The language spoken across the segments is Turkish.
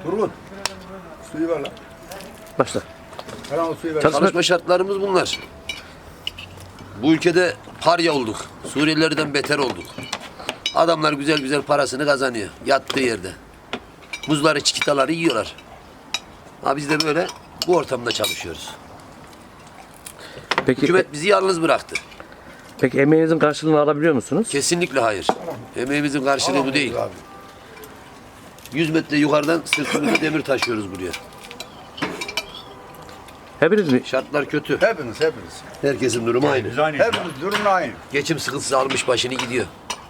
Turgut. Suyu ver lan. Başla. Hemen o suyu ver. Çalışma şartlarımız bunlar. Bu ülkede parya olduk. Suriyelilerden beter olduk. Adamlar güzel güzel parasını kazanıyor. Yattığı yerde. Muzları, çikitaları yiyorlar. Ha biz de böyle bu ortamda çalışıyoruz. Peki, Hükümet bizi yalnız bıraktı. peki emeğinizin karşılığını alabiliyor musunuz? Kesinlikle hayır. Emeğimizin karşılığı bu değil. Abi. 100 metre yukarıdan sırtımızda demir taşıyoruz buraya. Hepiniz mi? Şartlar kötü. Hepiniz. Herkesin durumu aynı. Hepiniz durumun aynı. Geçim sıkıntısı almış başını gidiyor.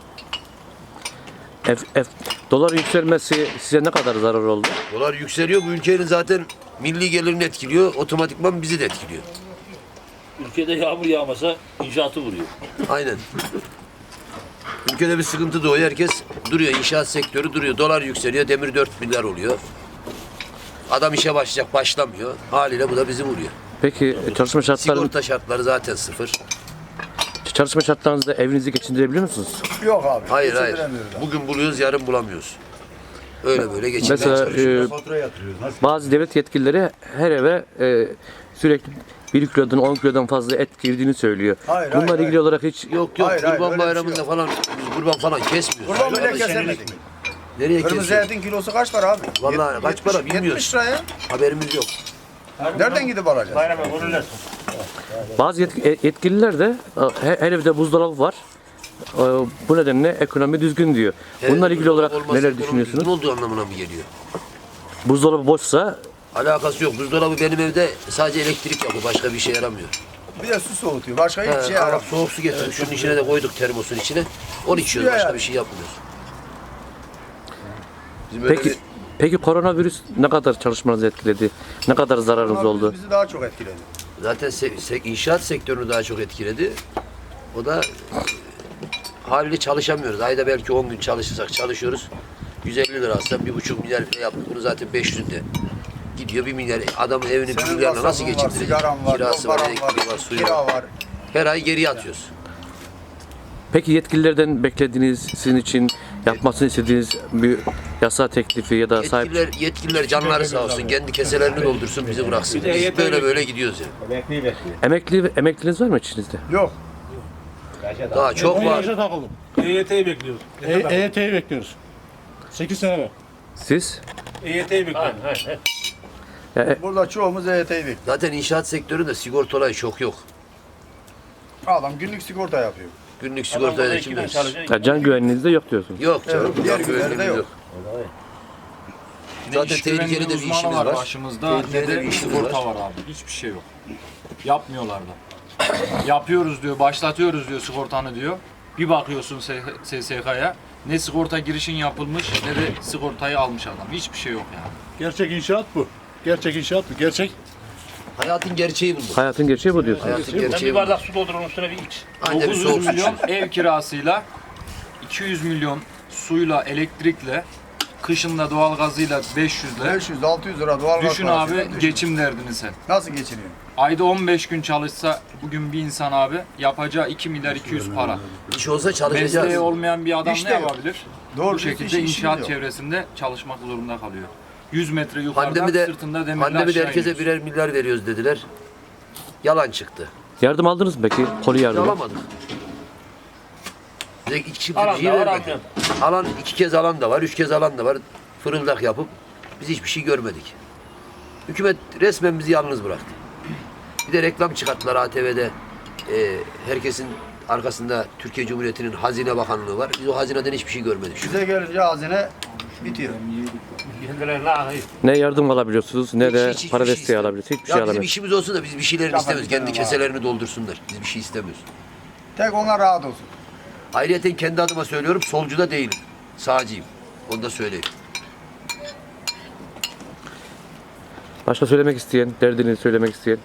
Dolar yükselmesi size ne kadar zarar oldu? Dolar yükseliyor. Bu ülkenin zaten milli gelirini etkiliyor. Otomatikman bizi de etkiliyor. Ülkede yağmur yağmasa inşaatı vuruyor. Aynen. Ülkede bir sıkıntı doğuyor. Herkes duruyor. İnşaat sektörü duruyor. Dolar yükseliyor. Demir 4 milyar oluyor. Adam işe başlayacak, başlamıyor. Haliyle bu da bizi vuruyor. Peki Sigorta şartları zaten sıfır. çalışma şartlarınızda evinizi geçindirebiliyor musunuz? Yok abi. Hayır. geçindiremiyoruz abi. Bugün buluyoruz, yarın bulamıyoruz. Öyle böyle geçinmeye Mesela çalışıyoruz. bazı devlet yetkilileri her eve sürekli 1 kilodan 10 kilodan fazla et girdiğini söylüyor. Hayır, Bununla hayır, ilgili olarak hiç Yok Hayır, hayır, kurban öyle bir şey bayramında yok. falan biz kurban falan kesmiyoruz. Kurban bile kesemedik. Nereye Kırmızı kesiyoruz? etin kilosu kaç para abi? Vallahi kaç para bilmiyoruz. 70 liraya. Haberimiz yok. Nereden gidip alacağız? bazı yetkililer de her evde buzdolabı var. Bu nedenle ekonomi düzgün diyor. Bununla ilgili olarak Olmazsa neler ekonomi düşünüyorsunuz? düzgün olduğu anlamına mı geliyor? Buzdolabı boşsa Alakası yok. Buzdolabı benim evde sadece elektrik yapıyor. Başka bir şey yaramıyor. Bir de su soğutuyor. Başka hiçbir şey Arap yaramıyor. soğuk su getirdik. Şunun içine de koyduk termosun içine. Onu içiyoruz. Başka yani. bir şey yapmıyoruz. Bizim öyle peki bir- peki koronavirüs ne kadar çalışmanızı etkiledi? Ne kadar zararınız oldu? Bizi daha çok etkiledi. zaten inşaat sektörünü daha çok etkiledi. O da haliyle çalışamıyoruz. Ayda belki 10 gün çalışırsak çalışıyoruz. 150 lira alsam 1,5 milyar lira yaptık. Bunu zaten 500'de gidiyor 1 milyar. Adamın evini 1 Senin milyarla nasıl masrafın var, geçindirecek? sigaran var, Kirası var, paran elektriği var, suyu kira var. var. Her ay geriye atıyoruz. Peki yetkililerden beklediğiniz, sizin için yapmasını istediğiniz bir yasa teklifi ya da sahip... Yetkililer canları sağ olsun. Kendi keselerini doldursun bizi bıraksın. Biz böyle böyle gidiyoruz yani. Emekliniz var mı içinizde? Yok. Daha çok var. Yaşa takıldım. EYT'yi bekliyoruz. EYT'yi bekliyoruz. 8 sene var. Siz? EYT'yi bekliyoruz. Burada çoğumuz EYT'yi bekliyor. Zaten inşaat sektöründe sigorta olayı çok yok. Adam günlük sigorta yapıyor. Günlük sigortayı da kim verir? Can güvenliğinizde yok diyorsunuz. Yok canım. Evet, diğer yok, günlerde güvenliğimiz yok. Zaten İş tehlikeli güvenliği de bir uzmanı işimiz var var. başımızda. Tehlikeli Ne de de bir işimiz sigorta var. var abi. Hiçbir şey yok. Yapmıyorlar da. Yapıyoruz diyor, başlatıyoruz diyor sigortanı diyor. Bir bakıyorsun SSK'ya. Ne sigorta girişin yapılmış ne de sigortayı almış adam. Hiçbir şey yok yani. Gerçek inşaat bu. Gerçek inşaat bu. Gerçek. Hayatın gerçeği bunlar. Hayatın gerçeği bu diyorsunuz. Hayatın Ben gerçeği bir bunlar. bardak su doldurun üstüne bir iç. Anca bir 900 soğuk su milyon için. ev kirasıyla 200 milyon suyla, elektrikle, kışında doğalgazıyla 500'le. 500-600 lira doğal gaz Düşün parasıyla abi geçim derdini sen. Nasıl geçiniyor? Ayda 15 gün çalışsa bugün bir insan abi yapacağı 2 milyar 200 para. İş olsa çalışacağız. Mesleği olmayan bir adam İş ne de yok. yapabilir? Doğru Bu düzgün şekilde işimiz inşaat yok. çevresinde çalışmak zorunda kalıyor. 100 metre yukarıda Pandemide, sırtında demirler pandemide aşağı herkese iniyorsun. birer milyar veriyoruz dediler. Yalan çıktı. Yardım aldınız mı peki? Koli yardımı. Alamadık. Bize iki çift Alan bir şey da var, vermedi. Alan 2 kez alan da var, 3 kez alan da var. Fırıldak yapıp biz hiçbir şey görmedik. Hükümet resmen bizi yalnız bıraktı. Bir de reklam çıkarttılar ATV'de. Herkesin arkasında Türkiye Cumhuriyeti'nin Hazine Bakanlığı var. Biz o hazineden hiçbir şey görmedik. Bize gelince hazine bitiyor. Kendilerine lahayı. Ne yardım alabiliyorsunuz ne de Hiç para şey desteği istemiyoruz. alabiliyorsunuz. Hiçbir Ya şey bizim alamıyorsunuz. işimiz olsun da biz bir şeylerini Kafa istemiyoruz. Kendi dinleyelim keselerini doldursunlar. Biz bir şey istemiyoruz. Tek onlar rahat olsun. Ayrıca kendi adıma söylüyorum, solcu da değilim. Sağcıyım. Onu da söyleyeyim. Başka söylemek isteyen, derdini söylemek isteyen.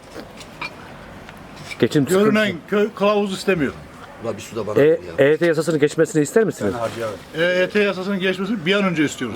Geçim sıkıntısı. Görünen köy kılavuz istemiyor. Ulan bir su da bana ver ya. EYT yasasının geçmesini ister misiniz? EYT yasasının geçmesini bir an önce istiyoruz.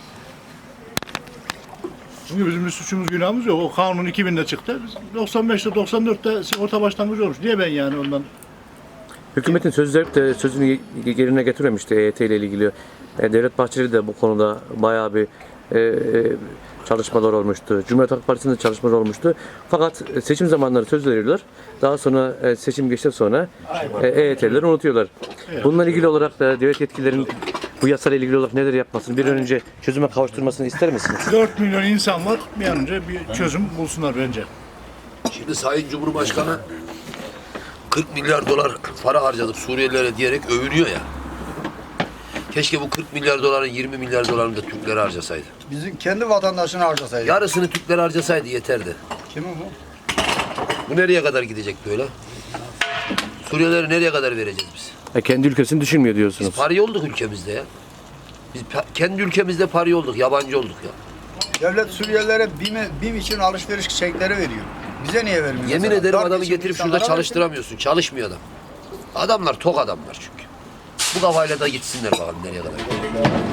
Çünkü bizim bir suçumuz günahımız yok. O kanun 2000'de çıktı. Biz 95'te 94'te sigorta başlangıcı olmuş. Niye ben yani ondan? Hükümetin sözü verip de sözünü yerine getirememişti EYT ile ilgili. Devlet Bahçeli de bu konuda bayağı bir çalışmalar olmuştu. Cumhuriyet Halk Partisi'nde çalışmalar olmuştu. Fakat seçim zamanları söz veriyorlar. Daha sonra seçim geçtikten sonra EYT'lileri unutuyorlar. Bununla ilgili olarak da devlet yetkililerin bu yasayla ilgili olarak neler yapmasını, bir an önce çözüme kavuşturmasını ister misiniz? 4 milyon insan var. Bir an önce bir çözüm bulsunlar bence. Şimdi Sayın Cumhurbaşkanı 40 milyar dolar para harcadık Suriyelilere diyerek övünüyor ya. Keşke bu 40 milyar doların 20 milyar dolarını da Türklere harcasaydı. Bizim kendi vatandaşını harcasaydı. Yarısını Türklere harcasaydı yeterdi. Kimin bu? Bu nereye kadar gidecek böyle? Suriyelileri nereye kadar vereceğiz biz? Kendi ülkesini düşünmüyor diyorsunuz. Biz pari olduk ülkemizde ya. Biz kendi ülkemizde pari olduk, yabancı olduk ya. Devlet Suriyelilere BİM için alışveriş çekleri veriyor. Bize niye vermiyor? Yemin mesela? ederim Darp adamı için getirip şurada insanlara çalıştıramıyorsun. Çalışmıyor adam. Adamlar tok adamlar çünkü. Bu kafayla da gitsinler bakalım nereye kadar.